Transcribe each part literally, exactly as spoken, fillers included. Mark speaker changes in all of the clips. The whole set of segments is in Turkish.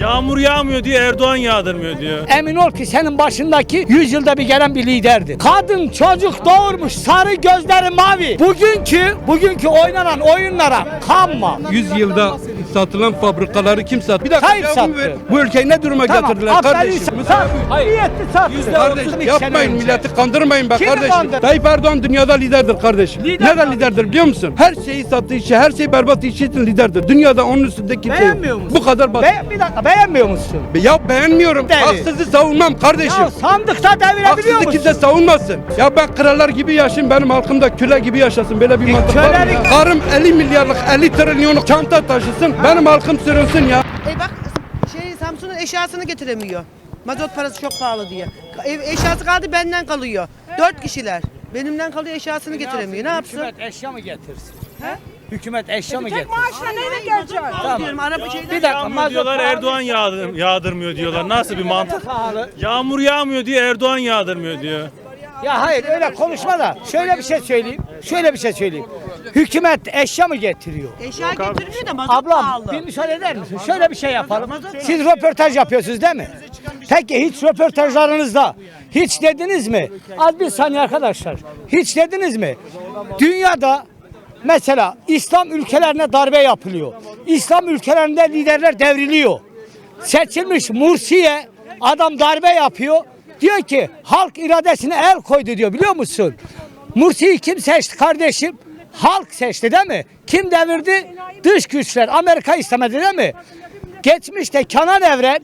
Speaker 1: Yağmur yağmıyor diye Erdoğan yağdırmıyor diyor.
Speaker 2: Emin ol ki senin başındaki yüz yılda bir gelen bir liderdi. Kadın çocuk doğurmuş, sarı gözleri mavi. Bugünkü bugünkü oynanan oyunlara kanma.
Speaker 3: yüz yılda satılan fabrikaları kim sattı? Bir dakika
Speaker 2: Tayyip
Speaker 3: cevabımı
Speaker 2: sattı.
Speaker 3: ver. Bu ülkeyi ne duruma
Speaker 2: Tamam,
Speaker 3: getirdiler kardeşim?
Speaker 2: sat. Niyetli sattı.
Speaker 3: Kardeş yapmayın, milleti kandırmayın be
Speaker 2: Kimi
Speaker 3: kardeşim.
Speaker 2: kandırdı?
Speaker 3: Tayyip Erdoğan dünyada liderdir kardeşim.
Speaker 2: Lider
Speaker 3: Neden
Speaker 2: tabii.
Speaker 3: liderdir biliyor musun? Her şeyi sattığı için, her şeyi berbat işi için liderdir. Dünyada onun üstünde kimse yok.
Speaker 2: Beğenmiyor musun?
Speaker 3: Bu kadar basit.
Speaker 2: Be bir dakika beğenmiyor musun?
Speaker 3: Ya beğenmiyorum.
Speaker 2: Deli.
Speaker 3: Haksızı savunmam kardeşim.
Speaker 2: Ya sandıkta devirebiliyor
Speaker 3: Haksızı
Speaker 2: musun?
Speaker 3: kimse savunmasın. Ya ben krallar gibi yaşayayım, benim halkım da köle gibi yaşasın. Böyle bir
Speaker 2: E,
Speaker 3: mantık var mı
Speaker 2: kölelik-
Speaker 3: ya? Karım elli milyarlık, elli trilyonluk çanta taşısın. Benim halkım sürünsün ya.
Speaker 4: E bak şey Samsun'un eşyasını getiremiyor. Mazot parası çok pahalı diye. Ev eşyası kaldı benden kalıyor. Dört kişiler. Benimden kalıyor eşyasını getiremiyor. Ne yapsın?
Speaker 2: Hükümet eşya mı getirsin? He? Hükümet eşya mı
Speaker 4: Tek
Speaker 2: getirsin?
Speaker 4: maaşla neyle gelecek?
Speaker 2: Tamam.
Speaker 4: Diyorum araba şeyden.
Speaker 2: Bir dakika
Speaker 1: Yağmur
Speaker 2: mazot
Speaker 1: diyorlar,
Speaker 2: pahalı.
Speaker 1: Erdoğan yağdır, yağdırmıyor diyorlar. Nasıl bir mantık?
Speaker 2: Pahalı.
Speaker 1: Yağmur yağmıyor diye Erdoğan yağdırmıyor diyor.
Speaker 2: Ya hayır öyle konuşma da şöyle bir şey söyleyeyim. Şöyle bir şey söyleyeyim. Hükümet eşya mı getiriyor?
Speaker 4: Eşya getirmiyor da mazot
Speaker 2: Ablam
Speaker 4: pahalı.
Speaker 2: bir müsaade eder misin? Şöyle bir şey yapalım. Siz röportaj yapıyorsunuz değil mi? Peki hiç röportajlarınızda hiç dediniz mi? Az bir saniye arkadaşlar. Hiç dediniz mi? Dünyada mesela İslam ülkelerine darbe yapılıyor. İslam ülkelerinde liderler devriliyor. Seçilmiş Mursi'ye adam darbe yapıyor. Diyor ki halk iradesine el koydu diyor, biliyor musun? Mursi'yi kim seçti kardeşim? Halk seçti değil mi? Kim devirdi? Dış güçler. Amerika istemedi değil mi? Geçmişte Kenan Evren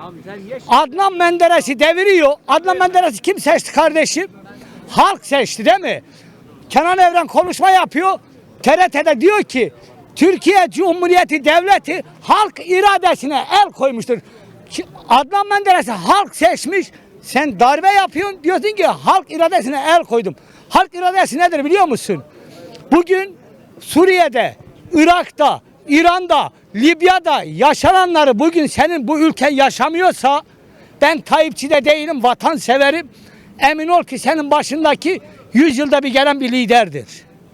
Speaker 2: Adnan Menderes'i deviriyor. Adnan Menderes'i kim seçti kardeşim? Halk seçti değil mi? Kenan Evren konuşma yapıyor. T R T'de diyor ki Türkiye Cumhuriyeti Devleti halk iradesine el koymuştur. Ki Adnan Menderes'i halk seçmiş. Sen darbe yapıyorsun, diyorsun ki halk iradesine el koydum. Halk iradesi nedir biliyor musun? Bugün Suriye'de, Irak'ta, İran'da, Libya'da yaşananları bugün senin bu ülken yaşamıyorsa, ben Tayyipçi de değilim, vatanseverim. Emin ol ki senin başındaki yüz yılda bir gelen bir liderdir.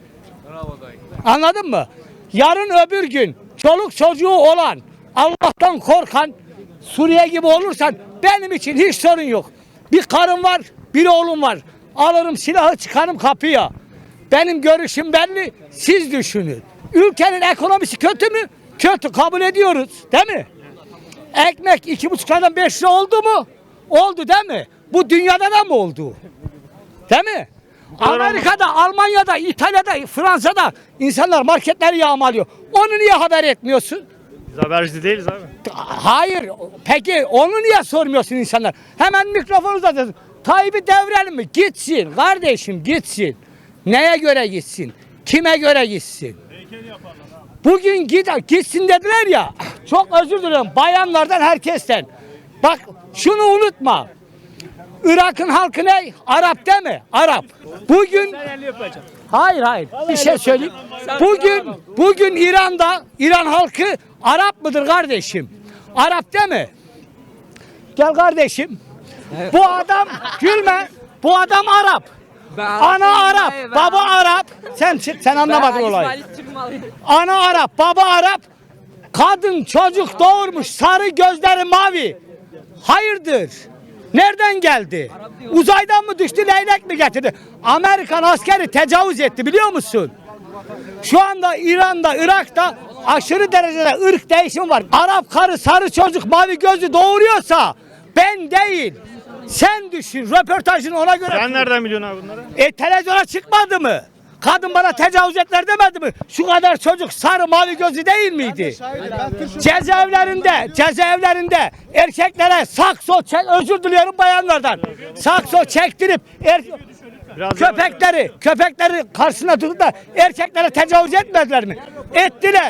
Speaker 2: Anladın mı? Yarın öbür gün çoluk çocuğu olan, Allah'tan korkan Suriye gibi olursan benim için hiç sorun yok. Bir karım var, bir oğlum var. Alırım silahı çıkarım kapıya. Benim görüşüm belli, siz düşünün. Ülkenin ekonomisi kötü mü? Kötü, kabul ediyoruz değil mi? Ekmek iki buçuk liradan beş lira oldu mu? Oldu değil mi? Bu dünyada da mı oldu? Değil mi? Amerika'da, Almanya'da, İtalya'da, Fransa'da insanlar marketleri yağmalıyor. Onu niye haber etmiyorsun?
Speaker 1: Biz haberci değiliz abi.
Speaker 2: Hayır. Peki onu niye sormuyorsun insanlar? Hemen mikrofonu uzatıyorsun. Tayyip'i devirelim mi? Gitsin kardeşim, gitsin. Neye göre gitsin? Kime göre gitsin? Bugün git, gitsin dediler ya. Çok özür dilerim bayanlardan, herkesten. Bak şunu unutma. Irak'ın halkı ne? Arap değil mi? Arap. Bugün Hayır hayır. Bir şey söyleyeyim. Bugün bugün İran'da İran halkı Arap mıdır kardeşim? Arap değil mi? Gel kardeşim. Bu adam gülme. Bu adam Arap. Ana Arap, baba Arap. Sen sen anlamadın olayı. Ana Arap, baba Arap. Kadın çocuk doğurmuş, sarı gözleri mavi. Hayırdır? Nereden geldi? Uzaydan mı düştü, leylek mi getirdi? Amerikan askeri tecavüz etti biliyor musun? Şu anda İran'da, Irak'ta aşırı derecede ırk değişimi var. Arap karı sarı çocuk mavi gözlü doğuruyorsa ben değil. Sen düşün, röportajını ona göre.
Speaker 1: Sen nereden biliyorsun abi bunları?
Speaker 2: E televizyona çıkmadı mı? Kadın bana tecavüz ettiler demedi mi? Şu kadar çocuk sarı mavi gözlü değil miydi? Cezaevlerinde, cezaevlerinde erkeklere sakso çek, özür diliyorum bayanlardan. Sakso çektirip er, köpekleri, köpekleri karşısına tutup da erkeklere tecavüz etmediler mi? Ettiler.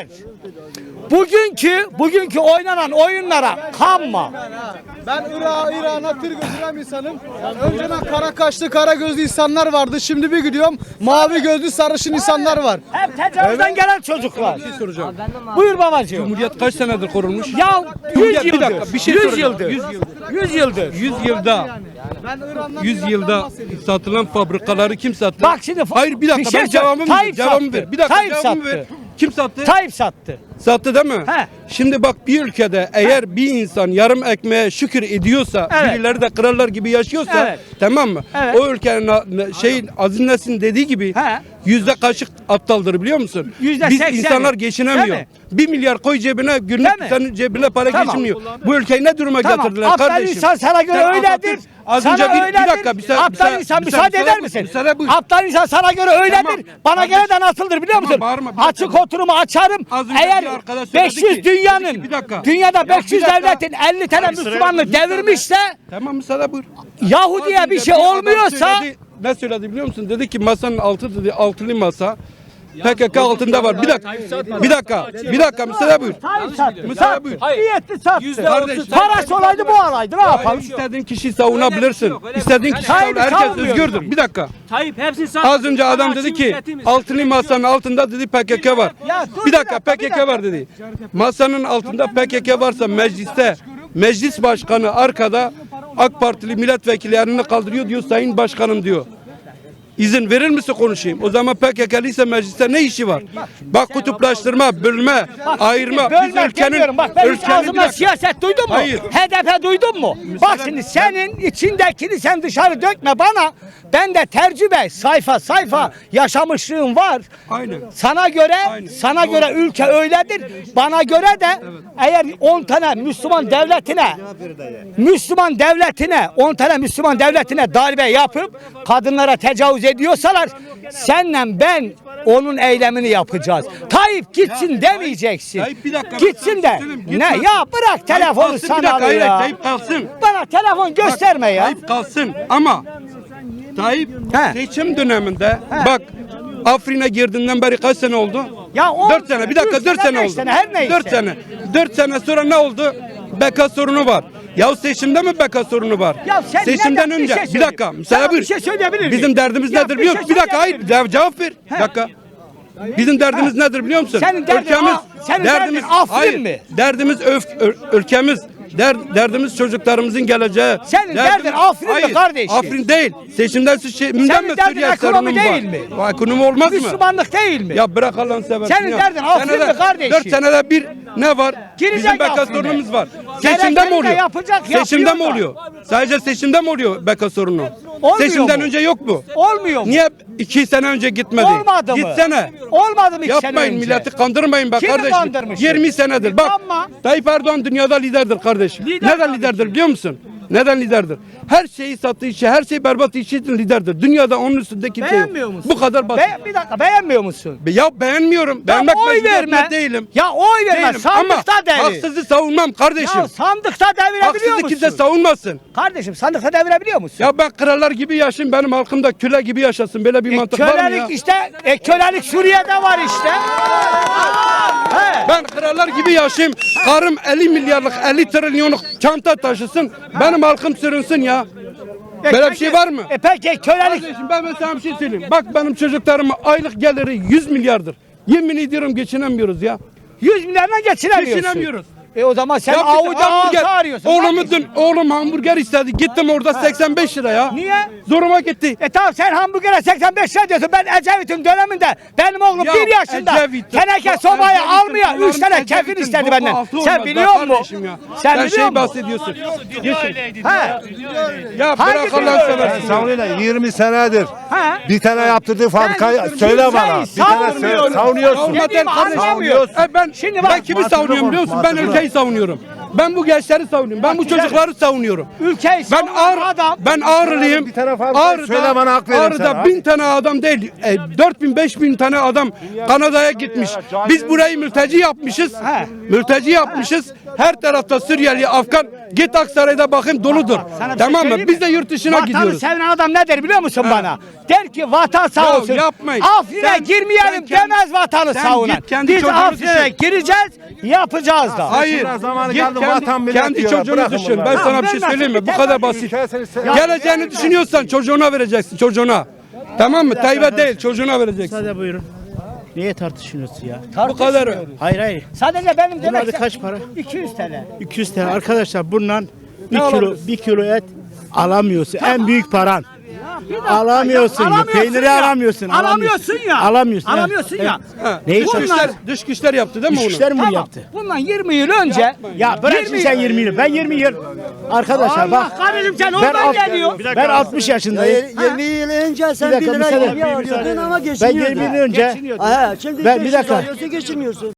Speaker 2: Bugünkü bugünkü oynanan oyunlara kanma.
Speaker 5: Ben Irak'a, İran'a tır götüren insanım. Önceden kara kaşlı, kara gözlü insanlar vardı. Şimdi bir gidiyorum mavi gözlü, sarışın insanlar var.
Speaker 2: Hep tecavüzden gelen çocuklar.
Speaker 3: Bir şey soracağım.
Speaker 2: Buyur babacığım.
Speaker 3: Cumhuriyet kaç senedir kurulmuş?
Speaker 2: Ya yüz
Speaker 3: Cumhuriyet- bir
Speaker 2: yıldır.
Speaker 3: dakika, bir şey
Speaker 2: yüz
Speaker 3: soracağım.
Speaker 2: yıldır.
Speaker 3: yüz yıldır.
Speaker 2: yüz yıldır.
Speaker 3: yüz yılda yüz yılda satılan fabrikaları kim sattı?
Speaker 2: Bak şimdi
Speaker 3: Hayır bir dakika
Speaker 2: bir şey
Speaker 3: ben cevabımı ver.
Speaker 2: Tayyip
Speaker 3: Cevabımı
Speaker 2: sattı.
Speaker 3: ver. Bir dakika
Speaker 2: Tayyip
Speaker 3: cevabımı
Speaker 2: sattı.
Speaker 3: ver. Kim sattı?
Speaker 2: Tayyip sattı.
Speaker 3: Sattı değil mi?
Speaker 2: He.
Speaker 3: Şimdi bak bir ülkede eğer bir insan yarım ekmeğe şükür ediyorsa,
Speaker 2: Evet.
Speaker 3: birileri de krallar gibi yaşıyorsa,
Speaker 2: Evet.
Speaker 3: tamam mı?
Speaker 2: Evet.
Speaker 3: O ülkenin a- şeyin Aziz Nesin dediği gibi
Speaker 2: He.
Speaker 3: yüzde kaçık aptaldır biliyor musun?
Speaker 2: Yüzde
Speaker 3: Biz
Speaker 2: sekseni.
Speaker 3: insanlar
Speaker 2: Değil
Speaker 3: geçinemiyor.
Speaker 2: mi?
Speaker 3: Bir milyar koy cebine, günlük
Speaker 2: Değil mi?
Speaker 3: senin cebine para
Speaker 2: Tamam.
Speaker 3: geçmiyor. Bu ülkeyi ne duruma
Speaker 2: Tamam.
Speaker 3: getirdiler
Speaker 2: Aptal
Speaker 3: kardeşim?
Speaker 2: insan sana göre
Speaker 3: Sen
Speaker 2: öyledir.
Speaker 3: Atatürk- Az
Speaker 2: Sana
Speaker 3: önce bir, bir
Speaker 2: öyledir.
Speaker 3: dakika bir sa-
Speaker 2: Aptal
Speaker 3: bir sa-
Speaker 2: insan
Speaker 3: bir
Speaker 2: müsaade
Speaker 3: sa-
Speaker 2: eder
Speaker 3: müsaade-
Speaker 2: misin?
Speaker 3: müsaade buyur.
Speaker 2: Aptal insan sana göre öyledir.
Speaker 3: Tamam.
Speaker 2: Bana
Speaker 3: Kardeşim.
Speaker 2: göre de nasıldır biliyor musun?
Speaker 3: Tamam, bağırma, bir dakika.
Speaker 2: Açık oturumu açarım.
Speaker 3: Az önce
Speaker 2: Eğer
Speaker 3: bir arkadaş söyledi
Speaker 2: beş yüz
Speaker 3: ki-
Speaker 2: dünyanın
Speaker 3: dedi ki, bir dakika.
Speaker 2: dünyada
Speaker 3: Ya
Speaker 2: beş yüz
Speaker 3: bir dakika.
Speaker 2: devletin elli tane Müslümanlığı devirmişse
Speaker 3: Tamam müsaade buyur.
Speaker 2: Yahudi'ye
Speaker 3: Az
Speaker 2: bir
Speaker 3: önce
Speaker 2: şey
Speaker 3: adam
Speaker 2: olmuyorsa
Speaker 3: söyledi, ne söyledi biliyor musun? Dedi ki masanın altı dedi altılı masa. P K K altında var. Bir dakika. Bir dakika. Bir dakika müsaade buyur.
Speaker 2: Tayyip sattı.
Speaker 3: Müsaade
Speaker 2: Sattı.
Speaker 3: buyur.
Speaker 2: Niyetti sattı.
Speaker 3: Kardeş,
Speaker 2: Parası olaydı bu alaydı. Ne yapalım?
Speaker 3: İstediğin kişiyi savunabilirsin. İstediğin kişiyi
Speaker 2: Tayyip'i
Speaker 3: savun. Herkes
Speaker 2: savunmuyorum.
Speaker 3: özgürdür. Bir dakika.
Speaker 6: Tayyip hepsini
Speaker 3: Az önce adam dedi ki altılı masanın altında dedi P K K var.
Speaker 2: Ya dur
Speaker 3: Bir
Speaker 2: bir
Speaker 3: dakika
Speaker 2: dakika,
Speaker 3: P K
Speaker 2: bir
Speaker 3: K
Speaker 2: dakika.
Speaker 3: var dedi. Masanın altında P K K varsa mecliste meclis başkanı arkada AK Partili milletvekili elini kaldırıyor diyor sayın başkanım diyor. İzin verir misin konuşayım? O zaman P K K'lıysa mecliste ne işi var? Bak kutuplaştırma, bölme, ayırma. Biz
Speaker 2: Bölmek demiyorum. Bak ben hiç
Speaker 3: ülkenin- bir
Speaker 2: ağzımda
Speaker 3: dakika.
Speaker 2: siyaset duydun mu?
Speaker 3: Hayır.
Speaker 2: H D P duydun mu? Bak şimdi senin içindekini sen dışarı dökme bana. Ben de tecrübe sayfa sayfa yaşamışlığım var.
Speaker 3: Aynen.
Speaker 2: Sana göre
Speaker 3: Aynen.
Speaker 2: sana göre ülke öyledir. Bana göre de eğer on tane Müslüman devletine Müslüman devletine on tane Müslüman devletine darbe yapıp kadınlara tecavüz ediyorsalar senle ben onun eylemini yapacağız. Tayyip gitsin demeyeceksin.
Speaker 3: Tayyip bir dakika,
Speaker 2: Gitsin
Speaker 3: ben
Speaker 2: de.
Speaker 3: söyleyeyim,
Speaker 2: Ne
Speaker 3: gitmez.
Speaker 2: ya bırak telefonu
Speaker 3: kalsın, bir
Speaker 2: sana
Speaker 3: dakika, hayır,
Speaker 2: ya.
Speaker 3: Tayyip kalsın.
Speaker 2: Bana telefon gösterme ya.
Speaker 3: Tayyip kalsın ama Tayyip
Speaker 2: He.
Speaker 3: seçim döneminde bak Afrin'e girdiğinden beri kaç sene oldu?
Speaker 2: Ya on
Speaker 3: dört sene bir dakika
Speaker 2: üç
Speaker 3: dört
Speaker 2: sene,
Speaker 3: sene
Speaker 2: beş
Speaker 3: oldu.
Speaker 2: sene, her neyse.
Speaker 3: dört sene. dört sene sonra ne oldu? B K sorunu var. Ya seçimde mi B K sorunu var?
Speaker 2: Ya sen
Speaker 3: Seçimden
Speaker 2: neden- bir
Speaker 3: önce
Speaker 2: şey
Speaker 3: bir,
Speaker 2: söyleyeyim.
Speaker 3: dakika
Speaker 2: Sana
Speaker 3: müsaade
Speaker 2: bir
Speaker 3: buyur.
Speaker 2: şey söyleyebilir miyim?
Speaker 3: Bizim derdimiz
Speaker 2: Ya
Speaker 3: nedir
Speaker 2: bir
Speaker 3: biliyor
Speaker 2: şey
Speaker 3: musun? Bir dakika hayır
Speaker 2: söyleyebilir miyim?
Speaker 3: cevap ver. Bir dakika. Bizim derdimiz nedir biliyor musun?
Speaker 2: Senin derdin A- senin derdin Afrin
Speaker 3: hayır,
Speaker 2: mi?
Speaker 3: Derdimiz öf, ö- ülkemiz. Der, derdimiz çocuklarımızın geleceği.
Speaker 2: Senin derdin Afrin mi
Speaker 3: Hayır,
Speaker 2: kardeşim?
Speaker 3: Afrin değil. Seçimden seçimden
Speaker 2: Senin
Speaker 3: mi
Speaker 2: derdin
Speaker 3: Suriye
Speaker 2: ekonomi
Speaker 3: sorunu mu
Speaker 2: değil
Speaker 3: var?
Speaker 2: mi?
Speaker 3: O ekonomi olmaz mı?
Speaker 2: Müslümanlık değil mi?
Speaker 3: Ya bırak Allah'ını seversen
Speaker 2: Senin
Speaker 3: ya.
Speaker 2: derdin Afrin
Speaker 3: Senede-
Speaker 2: mi kardeşim?
Speaker 3: Dört senede bir ne var?
Speaker 2: Girecek
Speaker 3: Bizim B K
Speaker 2: Afrin'e.
Speaker 3: sorunumuz var.
Speaker 2: Gerekeni
Speaker 3: Seçimde mi
Speaker 2: de
Speaker 3: oluyor?
Speaker 2: yapacak,
Speaker 3: Seçimde mi
Speaker 2: yapıyor da.
Speaker 3: oluyor? Sadece seçimde mi oluyor B K sorunu?
Speaker 2: Olmuyor
Speaker 3: Seçimden
Speaker 2: mu?
Speaker 3: önce yok mu?
Speaker 2: Olmuyor mu?
Speaker 3: Niye iki sene önce gitmedi?
Speaker 2: Olmadı mı?
Speaker 3: Gitsene.
Speaker 2: Olmadı mı iki sene
Speaker 3: Yapmayın
Speaker 2: önce?
Speaker 3: milleti kandırmayın be
Speaker 2: Kimi
Speaker 3: kardeşim.
Speaker 2: kandırmışım?
Speaker 3: yirmi senedir. Bak
Speaker 2: Ama-
Speaker 3: Tayyip Erdoğan dünyada liderdir kardeşim.
Speaker 2: Lider
Speaker 3: Neden
Speaker 2: tabii
Speaker 3: liderdir biliyor musun? Neden liderdir? Her şeyi sattığı için, her şeyi berbat işi için liderdir. Dünyada onun üstünde kimse yok.
Speaker 2: Beğenmiyor musun?
Speaker 3: Bu kadar basit.
Speaker 2: Be- bir dakika beğenmiyor musun?
Speaker 3: Be- Ya beğenmiyorum. Beğenmek
Speaker 2: oy
Speaker 3: mecburiyetinde
Speaker 2: verme.
Speaker 3: değilim.
Speaker 2: Ya oy verme.
Speaker 3: Değilim. Ama
Speaker 2: Sandıkta devir.
Speaker 3: haksızı savunmam kardeşim.
Speaker 2: Ya sandıkta devirebiliyor
Speaker 3: Haksızı
Speaker 2: musun?
Speaker 3: kimse savunmasın.
Speaker 2: Kardeşim sandıkta devirebiliyor musun?
Speaker 3: Ya ben krallar gibi yaşayayım, benim halkım da köle gibi yaşasın. Böyle bir
Speaker 2: E,
Speaker 3: mantık var mı ya?
Speaker 2: kölelik işte, e, kölelik Suriye'de var işte. He.
Speaker 3: Ben krallar gibi yaşayayım. Karım elli milyarlık elli trilyonluk çanta taşısın. Benim halkım sürünsün ya.
Speaker 2: E,
Speaker 3: Böyle bir
Speaker 2: peki-
Speaker 3: şey var mı?
Speaker 2: E peki kölelik
Speaker 3: Kardeşim ben mesela bir şey söyleyeyim. Bak benim çocuklarımın aylık geliri yüz milyardır. Yemin ediyorum geçinemiyoruz ya.
Speaker 2: yüz milyardan geçinemiyorsun.
Speaker 3: Geçinemiyoruz.
Speaker 2: E o zaman sen
Speaker 3: Ya bir
Speaker 2: avuda
Speaker 3: hamburger-
Speaker 2: ağası arıyorsun.
Speaker 3: Oğlumu
Speaker 2: kardeşim.
Speaker 3: dün oğlum hamburger istedi. Gittim orada seksen beş lira ya.
Speaker 2: Niye?
Speaker 3: Zoruma gitti.
Speaker 2: E tamam sen hamburgere seksen beş lira diyorsun. Ben Ecevit'in döneminde benim oğlum
Speaker 3: Ya
Speaker 2: bir yaşında
Speaker 3: Ecevit'in-
Speaker 2: teneke
Speaker 3: bak,
Speaker 2: sobayı
Speaker 3: Ecevit'in
Speaker 2: almıyor. Üç
Speaker 3: kulağının-
Speaker 2: tane kefil
Speaker 3: Ecevit'in
Speaker 2: istedi
Speaker 3: boku
Speaker 2: benden.
Speaker 3: altı
Speaker 2: Sen
Speaker 3: olmaz be
Speaker 2: biliyor musun?
Speaker 3: kardeşim ya.
Speaker 2: Sen
Speaker 3: Sen
Speaker 2: biliyor
Speaker 3: şey
Speaker 2: musun?
Speaker 3: bahsediyorsun.
Speaker 2: Ha.
Speaker 3: Ya
Speaker 2: Hangi
Speaker 3: bırak
Speaker 2: biri
Speaker 3: Allah'ını
Speaker 2: öyle?
Speaker 3: seversin.
Speaker 7: Savunuyorlar yirmi senedir.
Speaker 2: Ha.
Speaker 7: Bir tane yaptırdığı fabrikayı
Speaker 2: Ben
Speaker 7: söyle bana.
Speaker 2: kimseyi
Speaker 7: Bir tane söyle.
Speaker 2: savunmuyorum.
Speaker 7: Savunuyorsun.
Speaker 3: Savunma
Speaker 2: Dediğimi
Speaker 3: der kardeşim.
Speaker 2: anlamıyor.
Speaker 3: E ben,
Speaker 2: Şimdi
Speaker 3: ben
Speaker 2: bak,
Speaker 3: kimi
Speaker 7: mantıklı
Speaker 3: savunuyorum biliyor musun? Ben
Speaker 7: mantıklı.
Speaker 3: ülkeyi savunuyorum. Ben bu gençleri savunuyorum. Ben bu
Speaker 2: güzel.
Speaker 3: çocukları savunuyorum.
Speaker 2: Ülkeyi
Speaker 3: Ben
Speaker 2: savunan
Speaker 3: ağır,
Speaker 2: adam.
Speaker 3: ben Ağrılıyım.
Speaker 7: Bir tane fabrika söyle bana, hak veririm
Speaker 3: Ağrı'da
Speaker 7: sana.
Speaker 3: bin tane adam değil, e, dört bin beş bin tane adam Kanada'ya gitmiş. Biz burayı mülteci yapmışız.
Speaker 2: He.
Speaker 3: Mülteci yapmışız. Her tarafta Suriyeli, Afgan. Git Aksaray'da bakın doludur.
Speaker 2: Sana bir şey
Speaker 3: Tamam mı?
Speaker 2: söyleyeyim
Speaker 3: Biz
Speaker 2: mi?
Speaker 3: de yurt dışına
Speaker 2: Vatanı
Speaker 3: gidiyoruz.
Speaker 2: seven adam ne der biliyor musun bana? Der ki vatan sağ
Speaker 3: Ya
Speaker 2: olsun.
Speaker 3: yapmayın.
Speaker 2: Afrin'e
Speaker 3: Sen-
Speaker 2: girmeyelim
Speaker 3: sen kendi-
Speaker 2: demez vatanı
Speaker 3: sen
Speaker 2: savunan.
Speaker 3: git kendi
Speaker 2: Biz
Speaker 3: çocuğunu
Speaker 2: Afrin'e
Speaker 3: düşün.
Speaker 2: gireceğiz, yapacağız da.
Speaker 3: Hayır.
Speaker 7: Biraz zamanı
Speaker 3: Git
Speaker 7: geldi,
Speaker 3: kendi,
Speaker 7: vatan millet
Speaker 3: kendi
Speaker 7: diyorlar.
Speaker 3: çocuğunu
Speaker 7: Bırakın
Speaker 3: düşün.
Speaker 7: bunları.
Speaker 3: Ben sana
Speaker 2: Ha,
Speaker 3: bir şey
Speaker 2: ben
Speaker 3: söyleyeyim mi? Bu
Speaker 2: nasıl-
Speaker 3: kadar
Speaker 2: ben-
Speaker 3: basit.
Speaker 7: Ülke seni se-
Speaker 3: Geleceğini düşünüyorsan çocuğuna vereceksin. Çocuğuna. Tamam mı? Tayyip'e değil, çocuğuna vereceksin.
Speaker 8: Hadi buyurun. Niye tartışıyorsunuz ya?
Speaker 3: Bu kadar.
Speaker 8: Hayır hayır.
Speaker 2: Sadece benim
Speaker 8: Bunlar
Speaker 2: demek
Speaker 8: da kaç para?
Speaker 2: iki yüz T L.
Speaker 8: iki yüz lira. Arkadaşlar bundan bir
Speaker 3: Ne
Speaker 8: kilo
Speaker 3: alabilirsin?
Speaker 8: bir kilo et alamıyorsun. En büyük paran. Alamıyorsun ya.
Speaker 2: Alamıyorsun
Speaker 8: Peyniri
Speaker 2: ya.
Speaker 8: alamıyorsun.
Speaker 2: Alamıyorsun ya.
Speaker 8: Alamıyorsun.
Speaker 2: Alamıyorsun ya.
Speaker 3: Ha,
Speaker 8: Neyi
Speaker 3: dış
Speaker 2: bunlar-
Speaker 3: güçler, dış güçler yaptı değil mi onu?
Speaker 8: İşler mi
Speaker 2: Tamam.
Speaker 8: yaptı?
Speaker 2: Bundan yirmi yıl önce
Speaker 8: Ya bırak şimdi sen yirmi yıl. Ben yirmi yıl. Arkadaşlar
Speaker 2: Allah
Speaker 8: bak.
Speaker 2: kahretsin sen
Speaker 8: Ben,
Speaker 2: oradan
Speaker 8: alt-
Speaker 2: geliyor.
Speaker 8: ben altmış yaşındayım.
Speaker 6: yirmi yıl önce sen
Speaker 8: Bir dakika,
Speaker 6: bir lira
Speaker 8: müsaade-
Speaker 6: yemeği alıyordun ama
Speaker 8: Ben
Speaker 6: geçiniyordun.
Speaker 8: yirmi yıl önce
Speaker 6: Ha, şimdi
Speaker 8: Ben- bir
Speaker 6: beş yüz
Speaker 8: dakika.
Speaker 6: alıyorsun geçiniyorsun.